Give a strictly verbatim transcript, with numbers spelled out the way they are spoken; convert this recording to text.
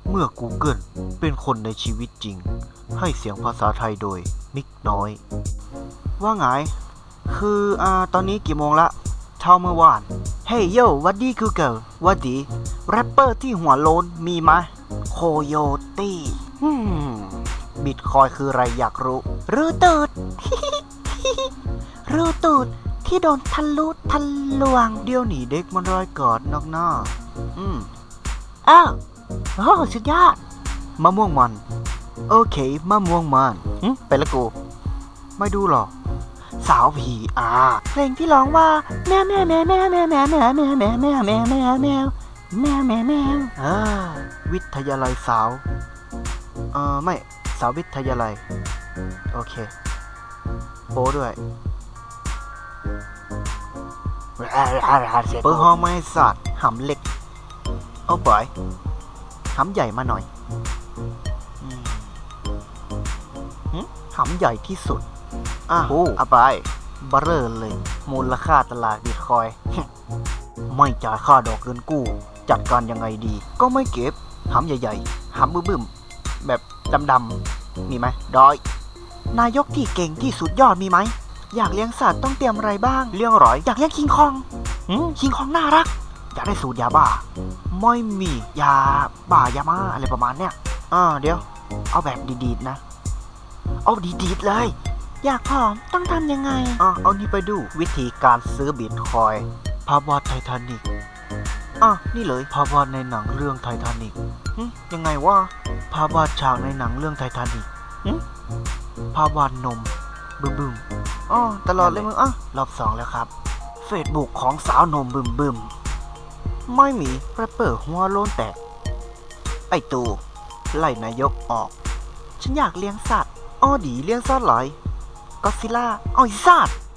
เมื่อ Google เป็นคนในชีวิตจริงให้เสียงภาษาไทยโดยมิกน้อย ว่าไง คืออ่าตอนนี้กี่โมงละเท่าเมื่อวาน เฮ้ยโยวัดดี Google วัดดี แรปเปอร์ที่หัวโลนมีไหมโคโยตี้อืมบิตคอยคืออะไรอยากรู้รู้ตูด รู้ตูดที่โดนทะลุทะลวง เดี๋ยวหนีเด็กมันรอยกอดนอกหน้า อืมอ้าวโอ้สุดยอดมะม่วงมัน โอเคมะม่วงมันอืมไปละกู ไม่ดูหรอก สาวผีอาเพลงที่ร้องว่าแมวแมวแมวแมวแมวแมวแมวแมวแมวแมวแมวแมวแมวแมวแมวแมวแมวอ่าวิทยาลัยสาวเออไม่สาววิทยาลัยโอเคโป้ด้วยเปิดห้องไม่สัตว์หำเล็กเอาบ่อยหำใหญ่มาหน่อยหำใหญ่ที่สุดอ่ะโอ้เอาไปบัเร่เลย มูลค่าตลาดบิตคอย ไม่จ่ายค่าดอกเงินกู้ จัดการยังไงดี ก็ไม่เก็บหำใหญ่ๆหำบึ้มๆแบบดำๆมีไหมดอย นายกที่เก่งที่สุดยอดมีไหม อยากเลี้ยงสัตว์ต้องเตรียมอะไรบ้าง เลี้ยงหรอย อยากเลี้ยงคิงคองคิงคองน่ารัก อยากได้สูตรยาบ้า ไม่มียาบ้ายามาอะไรประมาณเนี้ยอ่าเดี๋ยว เอาแบบดีๆนะ เอาดีๆเลย อยากผอมต้องทำยังไงอ่ะเอานี่ไปดูวิธีการซื้อบิตคอยภาพวาดไททานิกอ่ะนี่เลยภาพวาดในหนังเรื่องไททานิกยังไงวะภาพวาดฉากในหนังเรื่องไททานิกภาพวาดนมบึ้มบึ้มอ๋อตลอดเลยมึงอ่ะรอบสองแล้วครับเฟซบุ๊กของสาวนมบึ้มบึ้มไม่มีแรปเปอร์หัวโล้นแตกไอตูไล่นายกออกฉันอยากเลี้ยงสัตว์อ้อดีเลี้ยงสัตว์หลายก็ซิล่าอ้อยสัตว์